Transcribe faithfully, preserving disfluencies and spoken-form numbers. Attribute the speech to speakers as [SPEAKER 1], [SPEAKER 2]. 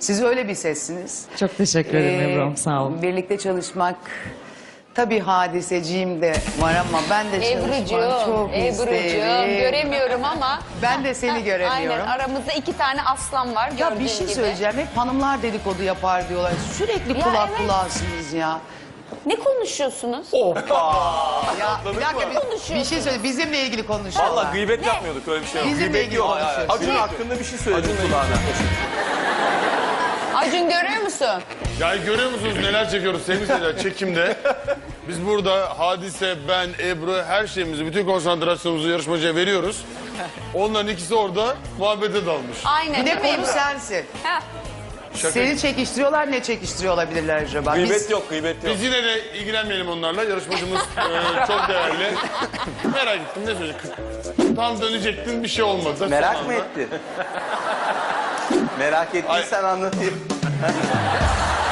[SPEAKER 1] Siz öyle bir sessiniz.
[SPEAKER 2] Çok teşekkür ederim
[SPEAKER 1] Ee,
[SPEAKER 2] Ebru'm, sağ olun.
[SPEAKER 1] Birlikte çalışmak tabii hadiseciğim de var ama ben de çalışmak
[SPEAKER 3] Ebru'cuğum,
[SPEAKER 1] çok
[SPEAKER 3] Ebru'cuğum
[SPEAKER 1] isterim.
[SPEAKER 3] göremiyorum ama.
[SPEAKER 1] Ben de seni göremiyorum.
[SPEAKER 3] Aynen, aramızda iki tane aslan var
[SPEAKER 1] Ya bir
[SPEAKER 3] gördüğün
[SPEAKER 1] şey
[SPEAKER 3] gibi.
[SPEAKER 1] söyleyeceğim. Hep hanımlar dedikodu yapar diyorlar. Sürekli
[SPEAKER 3] Ya
[SPEAKER 1] kulak
[SPEAKER 3] evet.
[SPEAKER 1] kulağısınız ya.
[SPEAKER 3] Ne konuşuyorsunuz?
[SPEAKER 1] Ya bir dakika bir, bir
[SPEAKER 3] konuşuyorsunuz?
[SPEAKER 1] şey söyle. Bizimle ilgili konuşuyorlar.
[SPEAKER 4] Valla gıybet yapmıyorduk, öyle bir şey yok.
[SPEAKER 1] Bizimle
[SPEAKER 4] Gıybet
[SPEAKER 1] ilgili
[SPEAKER 4] yok.
[SPEAKER 1] konuşuyoruz.
[SPEAKER 4] Acun hakkında bir şey söyledim kulağına.
[SPEAKER 3] Acun görüyor musun?
[SPEAKER 5] Ya görüyor musunuz neler çekiyoruz sevgili seyirciler çekimde. Biz burada Hadise, ben, Ebru her şeyimizi, bütün konsantrasyonumuzu yarışmacıya veriyoruz. Onların ikisi orada muhabbete dalmış.
[SPEAKER 3] Aynen.
[SPEAKER 1] Bir de
[SPEAKER 3] değil mi
[SPEAKER 1] konu
[SPEAKER 3] Ebru?
[SPEAKER 1] sensin.
[SPEAKER 3] Heh.
[SPEAKER 5] Şaka.
[SPEAKER 1] Seni çekiştiriyorlar, ne çekiştiriyor olabilirler acaba?
[SPEAKER 4] Gıybet
[SPEAKER 1] Biz-
[SPEAKER 4] yok, gıybet yok.
[SPEAKER 5] Biz yine de ilgilenmeyelim onlarla. Yarışmacımız e, çok değerli. Merak ettim ne söyleyecek? Tam dönecektin bir şey olmadı. Son
[SPEAKER 4] Merak
[SPEAKER 5] anda.
[SPEAKER 4] mı ettin? Merak ettiysen anlatayım.